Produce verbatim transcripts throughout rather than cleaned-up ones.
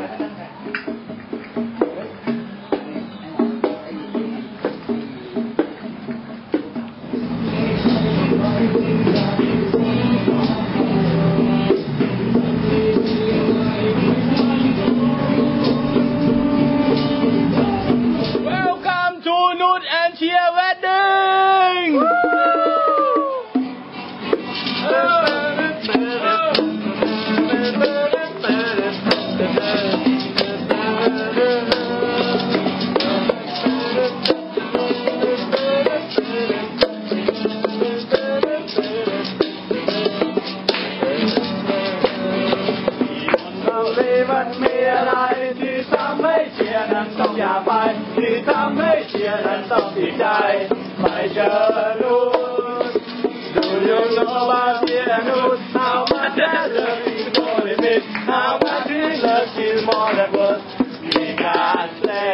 มันมีอะไรที่ทำให้เชียร์นั้นต้องอย่าไปที่ทำให้เชียร์นั้นต้องดีใจไม่เจอรู้ Do you know about pianos? How much I love you more than it? How much we love you more than words we can say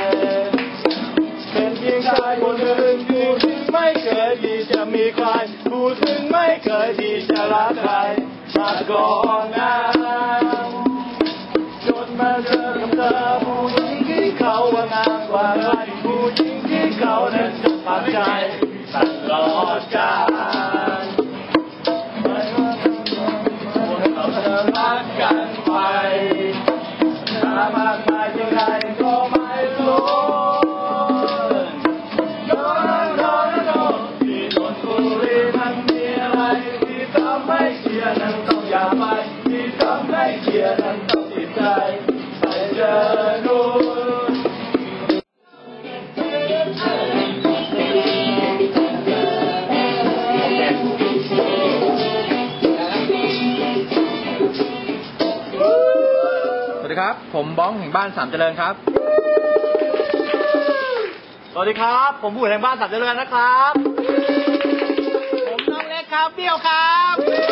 เป็นเพียงชายคนหนึ่งผู้ถึงไม่เคยที่จะมีใครผู้ถึงไม่เคยที่จะรักใครมาก่อนนั้นจนมาเจอกับเธอผู้หญิงที่เขาว่างามกว่าใครผู้หญิงที่เขานั้นจะปักใจตลอดกาลไม่ว่าพวกเราจะรักกันไปถ้ามากมายเท่าไรก็ไม่ล้นโน้นโน้นโน้นที่นนทบุรีมันมีอะไรที่ทำให้เชียร์นั้นต้องอย่าไปที่ทำให้เชียร์นั้นต้องติดใจไปเจอนู่นสวัสดีครับผมบ้องแห่งบ้านสามเจริญครับสวัสดีครับผมบุ๋ยแห่งบ้านสามเจริญนะครับผมน้องเล็กครับเปี้ยวครับ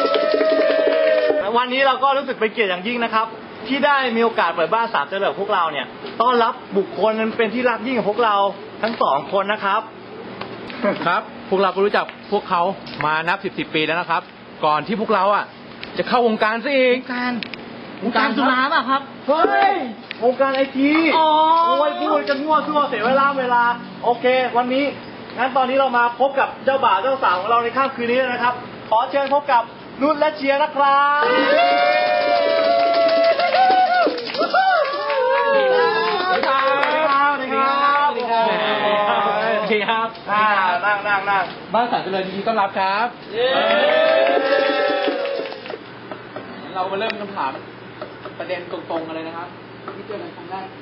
วันนี้เราก็รู้สึกเป็นเกียรติอย่างยิ่งนะครับที่ได้มีโอกาสเปิดบ้านสามเจริญพวกเราเนี่ยต้อนรับบุคคลนั้นเป็นที่รักยิ่งของพวกเราทั้งสองคนนะครับครับพวกเราก็รู้จักพวกเขามานับสิบสิบปีแล้วนะครับก่อนที่พวกเราอ่ะจะเข้าวงการซะเองการวงการสุราป่ะครับเฮ้ยวงการไอทีโอ้ยพูดกันมั่วซั่วเสียเวลาเวลาโอเควันนี้งั้นตอนนี้เรามาพบกับเจ้าบ่าวเจ้าสาวของเราในค่ำคืนนี้นะครับขอเชิญพบกับนุ่นและเชียร์นะครับสวัสดีครับสวัสดีครับสวัสดีครับสวัสดีครับนั่งนั่งนั่งบ้านสามเจริญยินดีต้อนรับครับเรามาเริ่มคำถามประเด็นตรงๆกันเลยนะครับที่เจอกันครั้งแรก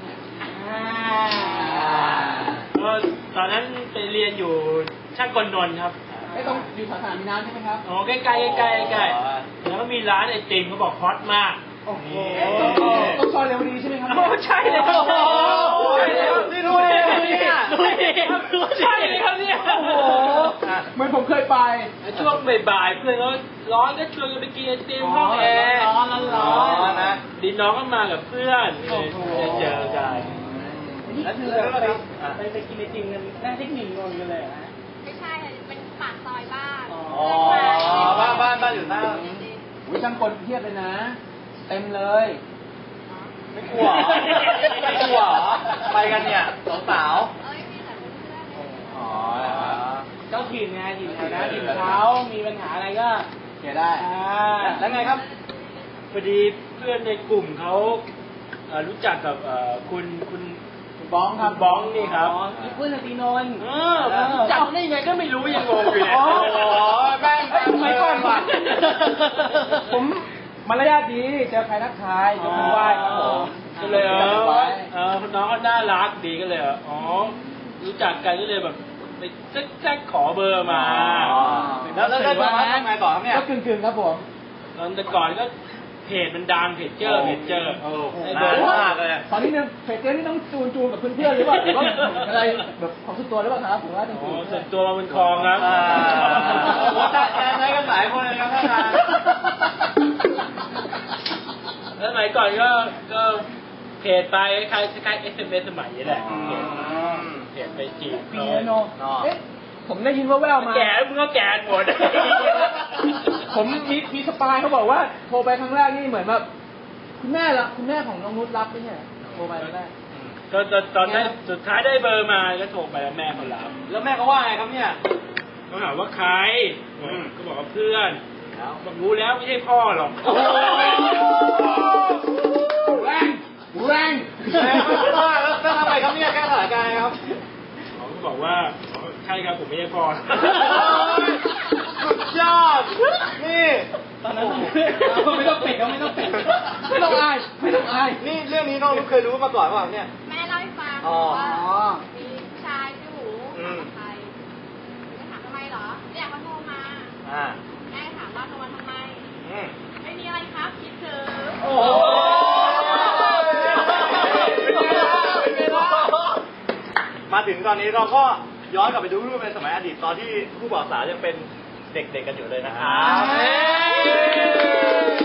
ตอนนั้นไปเรียนอยู่ช่างกลนนท์ครับไม่ต้องอยู่สาขามีน้ำใช่ไหมครับอ๋อใกล้ๆใกล้ๆใกล้ๆแล้วก็มีร้านไอติมเขาบอกฮอตมากโอ้โหต้องซอยเร็วดีใช่ไหมครับโอ้ใช่เลยครับโอ้ยนี่ด้วยเนี่ยใช่เลยครับเนี่ยโอ้โหเหมือนผมเคยไปช่วงบ่ายๆเพื่อนเขาร้อนก็ชวนกันไปกินไอติมห้องแอร์ร้อนร้อนนะดินน้องก็มากับเพื่อนเจอกันแล้วคือไปไปกินไอติมกันหน้าเทคนิคงงกันเลยนะไม่ใช่เป็นปากซอยบ้านอ๋อบ้านบ้านบ้านอยู่หน้าวิช่างกลเทียบเลยนะเต็มเลยไม่กลัวไม่กลัวไปกันเนี่ยสองสาวเอ้ยมีแต่เพื่อนอ๋อเจ้าถิ่นไงถิ่นแถวนั้นถิ่นเขามีปัญหาอะไรก็เกี่ยได้แล้วไงครับพอดีเพื่อนในกลุ่มเขารู้จักกับคุณคุณบ้องครับบ้องนี่ครับเพื่อนตีนนท์จำได้ยังไงก็ไม่รู้ยังงงอยู่เลยอ๋อแม่งแม่งไม่ก่อนว่ะผมมารยาทดีเจอใครทักทายยกมือไหว้ครับผมก็เลยเออเออน้องก็น่ารักดีก็เลยอ๋อรู้จักกันก็เลยแบบไปแจ๊กขอเบอร์มาแล้วแล้วได้เบอร์มาทำไงต่อครับเนี่ยก็กึ่งๆครับผมตอนแต่ก่อนก็เพจมันดังเพจเจอร์เพจเจอร์ไอ้เบอร์มากเลยตอนนี้เนี่ยเพจเจอร์นี่ต้องจูนจูนกับเพื่อนๆหรือว่าหรือว่าอะไรแบบของส่วนตัวหรือเปล่าครับผมว่าต้องจูนส่วนตัวมันคลองครับว่าจะใช้กันหลายคนเลยครับท่านแล้วสมัยก่อนก็ก็เพจไปคล้ายคล้ายเอสเอ็มเอสสมัยนี้แหละเพจไปจีบปีโนเอ๊ะผมได้ยินว่าแววมาแก่มึงก็แก่หมดผมมีมีสปายเขาบอกว่าโทรไปครั้งแรกนี่เหมือนแบบคคุณแม่ละคุณแม่ของน้องนุชรับไม่ใช่เหรอโทรไปแล้วแม่ตอนตอนตอนได้สุดท้ายได้เบอร์มาก็โทรไปแล้วแม่เขารับแล้วแม่เขาว่าไงครับเนี่ยเขาถามว่าใครอืมก็บอกว่าเพื่อนแล้วบอกรู้แล้วไม่ใช่พ่อหรอกโอ้แรงแรงแล้วทำไมครับเนี่ยแก้สถานการณ์ครับเขาก็บอกว่าอ๋อใช่ครับผมไม่ใช่พ่อสุดยอด นี่ตอนนั้นไม่ต้องปิดก็ไม่ต้องปิดไม่ต้องอายไม่ต้องอายนี่เรื่องนี้น้องเคยรู้มาก่อนเปล่าเนี่ยแม่เล่าให้ฟังอ๋อว่ามีผู้ชายชื่อหมูอืถาม กับใครก็ถามทำไมเหรอเนี่ยเขาโทรมาอ่าแม่ถามว่าโทรมาทำไมอืมไม่มีอะไรครับคิดถึงโอ้โหมาถึงตอนนี้เราก็ย้อนกลับไปดูรูปในสมัยอดีตตอนที่ผู้บ่าวสาวยังเป็นเด็กๆกันอยู่เลยนะครับ